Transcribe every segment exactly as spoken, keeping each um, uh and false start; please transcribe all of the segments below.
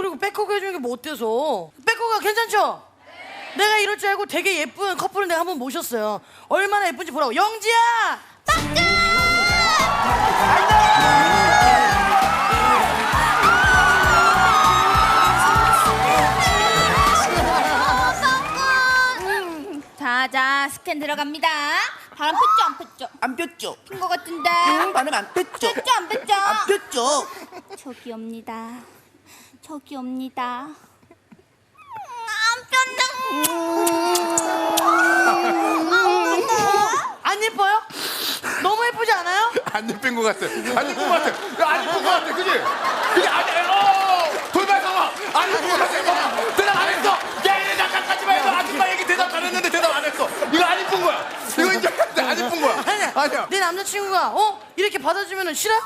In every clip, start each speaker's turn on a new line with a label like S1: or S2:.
S1: 그리고 백허그 해주는 게 뭐 어때서? 백허가 괜찮죠? 네. 내가 이럴 줄 알고 되게 예쁜 커플을 내가 한번 모셨어요. 얼마나 예쁜지 보라고. 영지야!
S2: 빠끔! 자자, 스캔 들어갑니다. 바람 폈죠, 안 폈죠?
S3: 안 폈죠?
S2: 핀 것 같은데.
S3: 응, 바람 안 폈죠?
S2: 폈죠, 안 폈죠?
S3: 안 폈죠?
S2: 저기 옵니다. 저기 옵니다. 음, 안 폈다.
S1: 안 예뻐요? 너무 예쁘지 않아요?
S4: 안 예쁜 것 같아. 안 예쁜 것 같아. 야, 안 예쁜 것 같아. 그지? 그게 아니야. 어! 돌발 상황. 안 예쁜 것 같아. 뭐. 대답 안 했어. 야, 얘 잠깐까지만 해도 아줌마 얘기 대답 안 했는데 대답 안 했어. 이거 안 예쁜 거야. 이거 이제 안 예쁜 거야.
S1: 아니야.
S4: 아니야.
S1: 내 남자친구가 어? 이렇게 받아주면 싫어?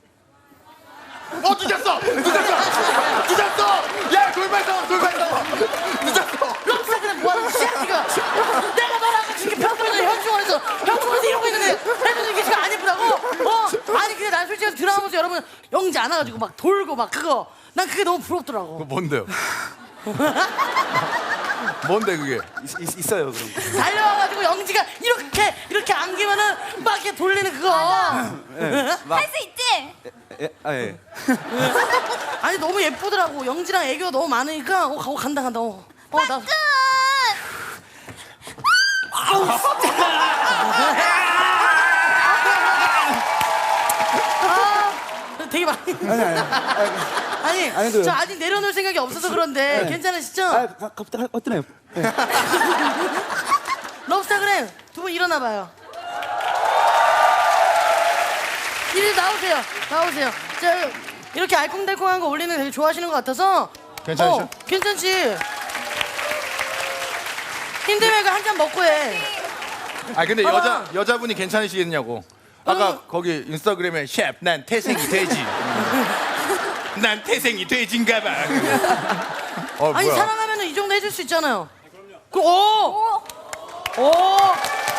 S4: 어, 늦었어. 늦었어. 늦었어. 야, 돌발 상황. 돌발 상황. 늦었어.
S1: 럽사 그냥 뭐하는 짓이야 지금? 내가 너랑 같이 이렇게 평소에서 현충원에서 현충원에서 이러고 있는데 해도 이게 지금 안 예쁘다고? 어? 아니 근데 난 솔직히 드라마 보면서 여러분 영지 안아가지고 막 돌고 막 그거 난 그게 너무 부럽더라고.
S4: 그거 뭔데요? 뭔데 그게?
S3: 있, 있, 있어요 그런 거.
S1: 달려와가지고 영지가 이렇게 이렇게 안기면은 막 이렇게 돌리는 그거.
S2: 할 수 있지?
S3: 예, 아 예.
S1: 아니 너무 예쁘더라고. 영지랑 애교가 너무 많으니까 어, 어 간다 간다. 어, 어 나.
S2: 끝!
S1: 아, 되게 많이.
S3: 아니 아니.
S1: 아니,
S3: 아니도요.
S1: 저 아직 내려놓을 생각이 없어서 그런데
S3: 네.
S1: 괜찮으시죠?
S3: 아, 가, 갑자기 어떠나요? 네.
S1: 럽스타그램 두 분 일어나봐요. 이리 나오세요. 나오세요. 자, 이렇게 알콩달콩한 거 올리는 거 되게 좋아하시는 것 같아서.
S4: 괜찮으셔?
S1: 어, 괜찮지. 힘들면 한 잔 먹고 해.
S4: 아 근데
S1: 봐봐.
S4: 여자 여자분이 괜찮으시겠냐고. 아까
S1: 어.
S4: 거기 인스타그램에 셰프 난 태생이 돼지. 난 태생이 돼지인가봐. 어,
S1: 아니
S4: 뭐야?
S1: 사랑하면 이 정도 해줄 수 있잖아요. 그, 오! 오!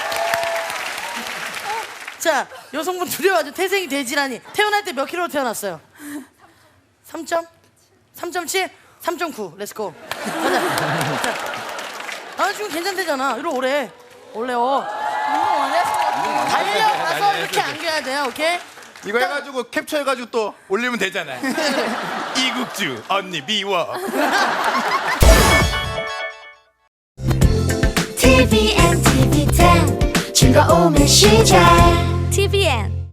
S1: 자, 여성분 두려워하죠. 태생이 돼지라니. 태어날 때 몇 킬로로 태어났어요? 삼 점? 삼 점 칠? 삼 점 구. 렛츠고. 가자. 자. 남자친구 괜찮대잖아. 이리 오래. 원래 어.
S2: 너무 원했어.
S1: 달려가서 이렇게 안겨야 돼요. 오케이?
S4: 이거 해가지고 캡처해가지고 또 올리면 되잖아요. 이국주 언니 미워.
S5: 티비엔 티비 텐 즐거움의 시작 티비엔